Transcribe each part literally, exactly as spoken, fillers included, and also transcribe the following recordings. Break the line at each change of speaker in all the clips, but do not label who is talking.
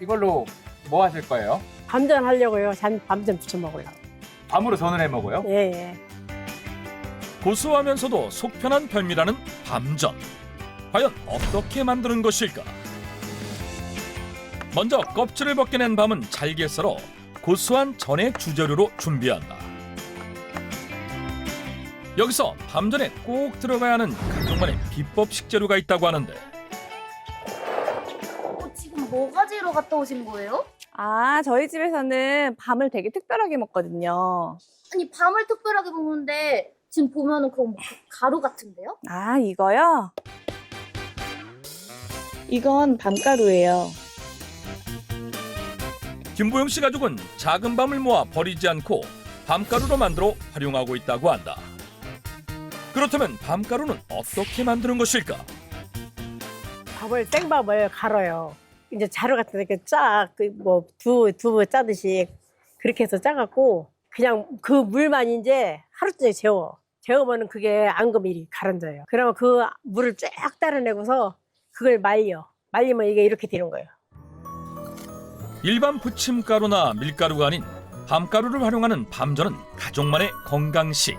이걸로 뭐 하실 거예요?
밤전 하려고요. 잔 밤전 부쳐 먹으려고.
밤으로 전을 해 먹어요?
예, 예.
고소하면서도 속 편한 별미라는 밤전. 과연 어떻게 만드는 것일까? 먼저 껍질을 벗겨낸 밤은 잘게 썰어 고소한 전의 주재료로 준비한다. 여기서 밤전에 꼭 들어가야 하는 가족만의 비법 식재료가 있다고 하는데
어, 지금 뭐 가지러 갔다 오신 거예요?
아, 저희 집에서는 밤을 되게 특별하게 먹거든요.
아니 밤을 특별하게 먹는데 지금 보면은 그거 뭐 가루 같은데요?
아, 이거요? 이건 밤가루예요.
김보영 씨 가족은 작은 밤을 모아 버리지 않고 밤가루로 만들어 활용하고 있다고 한다. 그렇다면 밤가루는 어떻게 만드는 것일까?
밥을 생밥을 갈아요. 이제 자루 같은 데 이렇게 쫙, 그 뭐 두부 두부 짜듯이 그렇게 해서 짜갖고 그냥 그 물만 이제 하루 종일 재워. 재우면은 그게 앙금이 가라앉아요. 그러면 그 물을 쫙 따라내고서 그걸 말려. 말리면 이게 이렇게 되는 거예요.
일반 부침가루나 밀가루가 아닌 밤가루를 활용하는 밤전은 가족만의 건강식.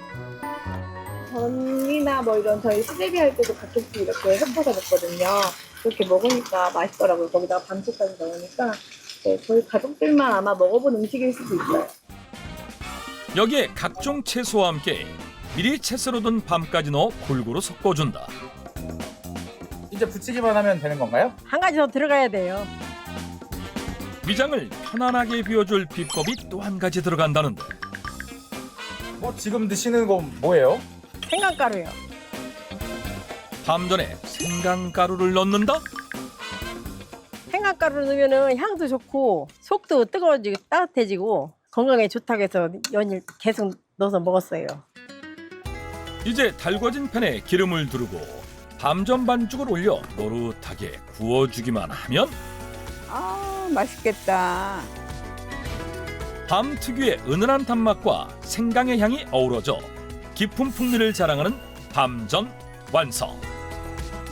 전이나 뭐 이런 저희 수제비 할 때도 가끔씩 이렇게 섞어서 먹거든요. 그렇게 먹으니까 맛있더라고요. 거기다가 밤새까지 넣으니까. 네, 저희 가족들만 아마 먹어본 음식일 수도 있어요.
여기에 각종 채소와 함께 미리 채 썰어둔 밤까지 넣어 골고루 섞어준다.
이제 부치기만 하면 되는 건가요?
한 가지 더 들어가야 돼요.
위장을 편안하게 비워줄 비법이 또 한 가지 들어간다는데
뭐 지금 드시는 건 뭐예요?
생강가루요.
밤전에 생강가루를 넣는다?
생강가루 넣으면은 향도 좋고 속도 뜨거워지고 따뜻해지고 건강에 좋다고 해서 연일 계속 넣어서 먹었어요.
이제 달궈진 팬에 기름을 두르고 밤전 반죽을 올려 노릇하게 구워주기만 하면
아, 맛있겠다.
밤 특유의 은은한 단맛과 생강의 향이 어우러져 깊은 풍미를 자랑하는 밤전 완성.